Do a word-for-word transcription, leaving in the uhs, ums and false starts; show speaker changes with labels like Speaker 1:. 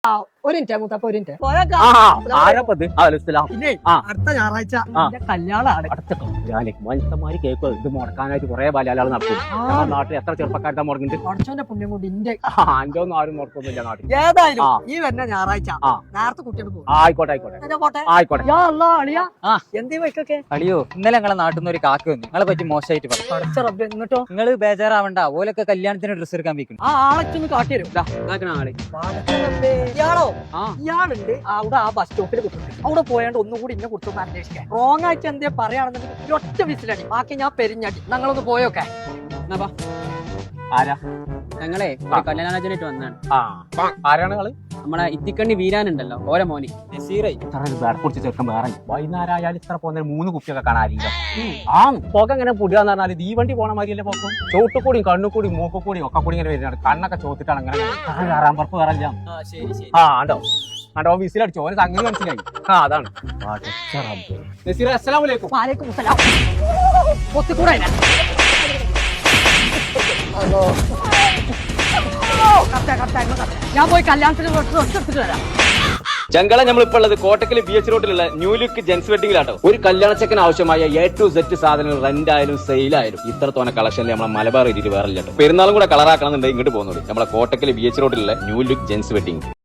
Speaker 1: ഒരു മിനിറ്റ് മൂത്തപ്പ ഒരു മിനിറ്റ് പിന്നെ അടുത്ത ഞായറാഴ്ച കല്യാണമാണ്.
Speaker 2: മനുഷ്യന്മാര് കേൾക്കുക ഇത് മുടക്കാനായിട്ട് കുറെ ബാലാലാൾ നടക്കും. നാട്ടിൽ എത്ര ചെറുപ്പക്കാരുടെ മുടങ്ങിട്ട്
Speaker 1: കുറച്ചോന്റെ പുണ്യം കൊണ്ട് ഇന്റെ
Speaker 2: എന്റെ ഒന്നും ആരും മുടക്കൊന്നുമില്ല നാട്ടിൽ.
Speaker 1: ഏതായാലും ഈ വരുന്ന ഞായറാഴ്ച നേരത്തെ കുട്ടികൾ പോകും.
Speaker 2: ആയിക്കോട്ടെ ആയിക്കോട്ടെ ആയിക്കോട്ടെ.
Speaker 1: എന്തേ വൈക്കൊക്കെ
Speaker 3: അളിയോ ഇന്നലെ ഞങ്ങളെ നാട്ടിൽ നിന്ന് ഒരു കാക്ക വന്നു നിങ്ങളെ പറ്റി മോശമായിട്ട് പറഞ്ഞു.
Speaker 1: പഠിച്ച റബ്ബേ, എന്നിട്ടോ
Speaker 3: നിങ്ങൾ ബേജാറാവണ്ട, ഓലൊക്കെ കല്യാണത്തിന് ഡ്രസ്സ് എടുക്കാൻ വെക്കുന്നു.
Speaker 1: ആ ആളൊക്കെ കാട്ടിരും. ഇയാളോ ഇയാളുണ്ട് അവിടെ ആ ബസ് സ്റ്റോപ്പിൽ കുത്തുന്നത്. അവിടെ പോയാണ്ട് ഒന്നും കൂടി ഇന്നെ കുറിച്ചൊന്ന് അന്വേഷിക്കാൻ. റോങ് ആയിട്ട് എന്തേ പറയാണെന്നുണ്ടെങ്കിൽ ഒറ്റ വിസിലടി, ബാക്കി ഞാൻ പെരിഞ്ഞടി. ഞങ്ങളൊന്ന് പോയോക്കെ.
Speaker 2: ആരാ?
Speaker 4: ഞങ്ങളെ ഒരു കല്യാണാലോചനയായിട്ട് വന്നാണ്.
Speaker 2: ആരാണ് നിങ്ങള്?
Speaker 4: നമ്മളെ ഇത്തിക്കണ്ണി വീരാനുണ്ടല്ലോ ഓരോ മോനി
Speaker 2: കുറിച്ച് ചെറുക്കം വേറെ വൈകുന്നേരമായാലും ഇത്ര പോകുന്ന മൂന്ന് കുപ്പിയൊക്കെ കാണാറില്ല. ആ പുക ഇങ്ങനെ പുടിയാന്ന് പറഞ്ഞാൽ ഈ വണ്ടി പോണ മാതിരിയല്ലേ പോക്കും. ചോട്ടുകൂടിയും കണ്ണുകൂടിയും മൂക്കുകൂടിയും ഒക്കെ കൂടി ഇങ്ങനെ വരുന്നതാണ്. കണ്ണൊക്കെ ചോത്തിട്ടാണ് അങ്ങനെ കയറാൻ പറപ്പ് കയറില്ല. ആ ആണ്ടോ ആണ്ടോ വിസിലടിച്ചോ, ഓന് സംഗതി മനസ്സിലായി. ആ അതാണ്. അസ്സലാമു
Speaker 1: വാലൈക്കും സലാം. ഒത്തുകൂടെ ഞാൻ പോയി കല്യാണത്തിന് എടുത്തിട്ട് വരാം.
Speaker 5: ചങ്കള നമ്മളിപ്പോൾ ഉള്ളത് കോട്ടക്കൽ ബി എച്ച് റോഡിലുള്ള ന്യൂ ലുക്ക് ജെൻസ് വെഡിങ്ങിലാട്ടോ. ഒരു കല്യാണച്ചക്കന് ആവശ്യമായ എ ടു സെറ്റ് സാധനങ്ങൾ റെന്റ് ആയാലും സെയിലായാലും ഇത്രത്തോനെ കളക്ഷനിൽ നമ്മളെ മലബാർ ഏരിയയിൽ വേറെ ഇല്ല. പെരുന്നാളും കൂടെ കളറാക്കണം എന്നുണ്ടെങ്കിൽ ഇങ്ങോട്ട് പോകുന്നത് നമ്മളെ കോട്ടക്കൽ ബി എച്ച് റോഡിലുള്ള ന്യൂ ലുക്ക് ജെൻസ് വെഡിങ്.